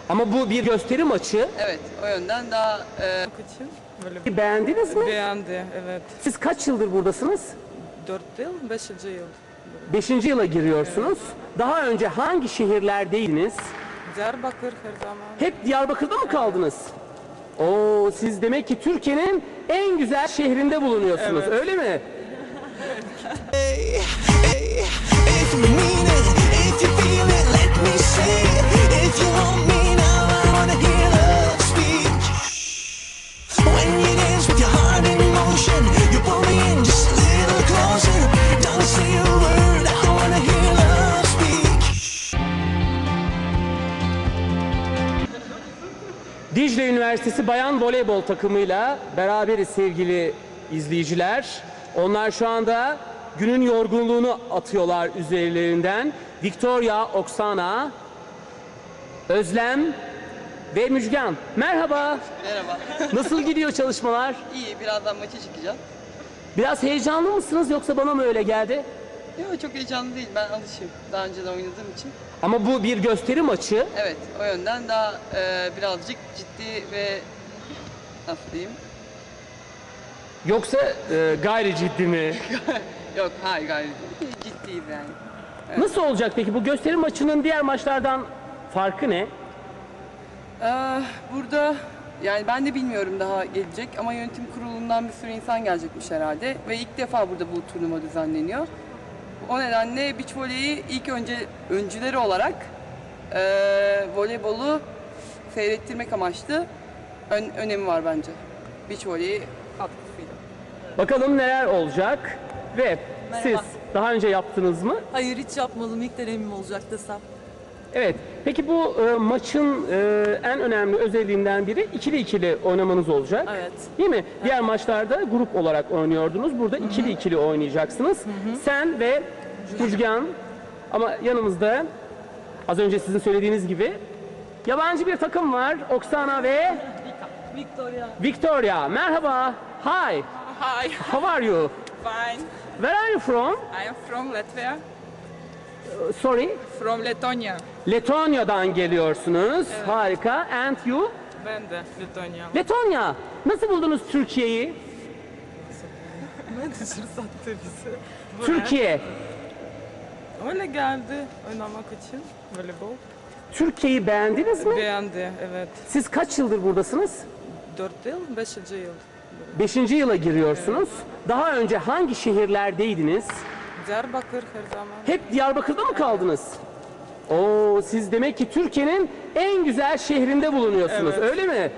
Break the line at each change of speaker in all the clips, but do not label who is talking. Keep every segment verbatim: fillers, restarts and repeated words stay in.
Ama bu bir gösteri maçı.
Evet, o yönden daha e,
için böyle
Beğendiniz mi?
beğendi, evet.
Siz kaç yıldır buradasınız?
Dört yıl, beşinci yıl.
Beşinci yıla giriyorsunuz. Daha önce hangi şehirlerdeydiniz?
Diyarbakır her zaman.
Hep Diyarbakır'da mı kaldınız? Oo, siz demek ki Türkiye'nin en güzel şehrinde bulunuyorsunuz,
Evet.
öyle mi?
If you mean it, if you feel it, let me say it. If you want me now, I wanna hear love speak. When you dance with your heart in motion, you pull me in just a little closer. Don't say a word, I wanna hear love speak.
Dicle Üniversitesi Bayan Voleybol takımıyla beraberiz sevgili izleyiciler. Onlar şu anda günün yorgunluğunu atıyorlar üzerlerinden. Victoria, Oksana, Özlem ve Müjgan. Merhaba.
merhaba.
Nasıl gidiyor çalışmalar?
İyi, birazdan maça çıkacağım.
Biraz heyecanlı mısınız yoksa bana mı öyle geldi?
Yok, çok heyecanlı değil, ben alışığım. Daha önce de oynadığım için.
Ama bu bir gösteri maçı.
Evet, o yönden daha e, birazcık ciddi ve nasıl diyeyim?
Yoksa e, gayri ciddi mi?
Yok, hayır gayet değil. Ciddiyiz yani.
Nasıl olacak peki? Bu gösteri maçının diğer maçlardan farkı ne?
Ee, burada yani ben de bilmiyorum daha gelecek ama yönetim kurulundan bir sürü insan gelecekmiş herhalde ve ilk defa burada bu turnuva düzenleniyor. O nedenle beach voleyi ilk önce öncüleri olarak e, voleybolu seyrettirmek amaçlı ön, önemi var bence. Beach voleyi katkısıyla.
Bakalım neler olacak ve
Merhaba.
siz daha önce yaptınız mı?
Hayır, hiç yapmadım. İlk deneyimim olacak desem.
Evet. Peki bu e, maçın e, en önemli özelliğinden biri ikili ikili oynamanız olacak.
Evet.
Değil mi? Diğer maçlarda grup olarak oynuyordunuz. Burada ikili ikili oynayacaksınız. Sen ve Müjgan, ama yanımızda az önce sizin söylediğiniz gibi yabancı bir takım var. Oksana ve
Victoria.
Victoria. Merhaba. Hi.
Hi,
How are you?
fine.
Where are you from?
I am from Latvia,
Sorry.
from Letonya.
Letonya'dan geliyorsunuz. Harika. And you?
Ben de Letonya.
Letonya. Nasıl buldunuz Türkiye'yi?
Manager sattı bizi. Buraya.
Türkiye.
Öyle geldi oynamak için voleybol.
Türkiye'yi beğendiniz mi?
Beğendi, evet.
Siz kaç yıldır buradasınız?
Dört yıl, beşinci yıl.
Beşinci yıla giriyorsunuz. Daha önce hangi şehirlerdeydiniz?
Diyarbakır her zaman.
Hep Diyarbakır'da mı kaldınız? Oo, siz demek ki Türkiye'nin en güzel şehrinde bulunuyorsunuz,
Evet.
öyle mi?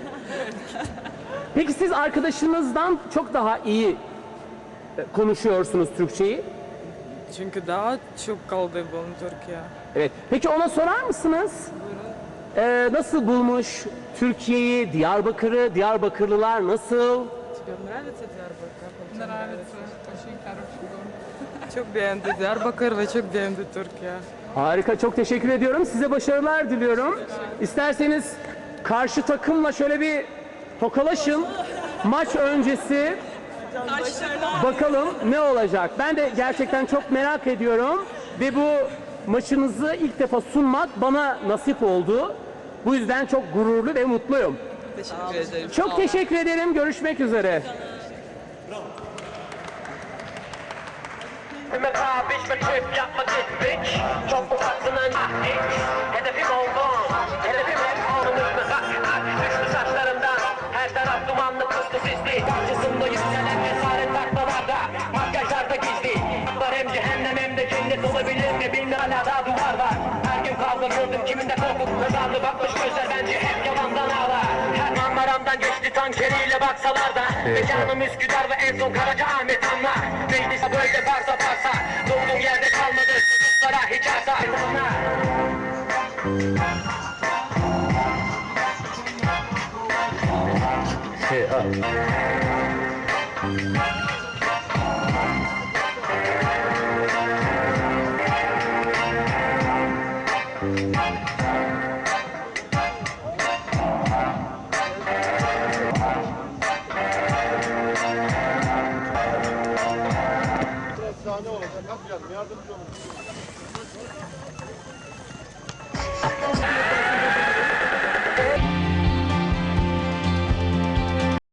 Peki siz arkadaşınızdan çok daha iyi e, konuşuyorsunuz Türkçeyi.
Çünkü daha çok kaldı bu Türkiye.
Evet. Peki ona sorar mısınız? Ee, nasıl bulmuş Türkiye'yi, Diyarbakır'ı, Diyarbakırlılar nasıl?
Тебе нравится Diyarbakır? Nравится, очень хороший город. Çok beğendi Diyarbakır ve çok beğendi Türkiye.
Harika, çok teşekkür ediyorum. Size başarılar diliyorum. İsterseniz karşı takımla şöyle bir tokalaşın. Maç öncesi bakalım ne olacak. Ben de gerçekten çok merak ediyorum. Ve bu maçınızı ilk defa sunmak bana nasip oldu. Bu yüzden çok gururlu ve mutluyum.
Teşekkür ederim.
Çok teşekkür ederim. Görüşmek üzere.
Mekabiş ve trip yapma gittik. Çok ufaklının ilk hedefim oldum. Hedefim hep alnımızda hak hak. Düştü saçlarımdan her taraf dumanlı puslu sisli. Karşısında yükselen cesaret taklalarda, makyajlarda gizli. Var hem cehennem hem de cennet olabilir mi? Bilmem hala daha duvar var. Her gün kavga gördüm kiminde korku kazandı. Bakmış gözler bence hep yalandan ağlar. Her Marmaram'dan geçti tankeriyle baksalar da. Mekanım Üsküdar ve en son Karacaahmet anlar. Meclise böyle varsa varsa. Doğduğum yerde kalmadı çocuklara hiç arsa.
Hey, up.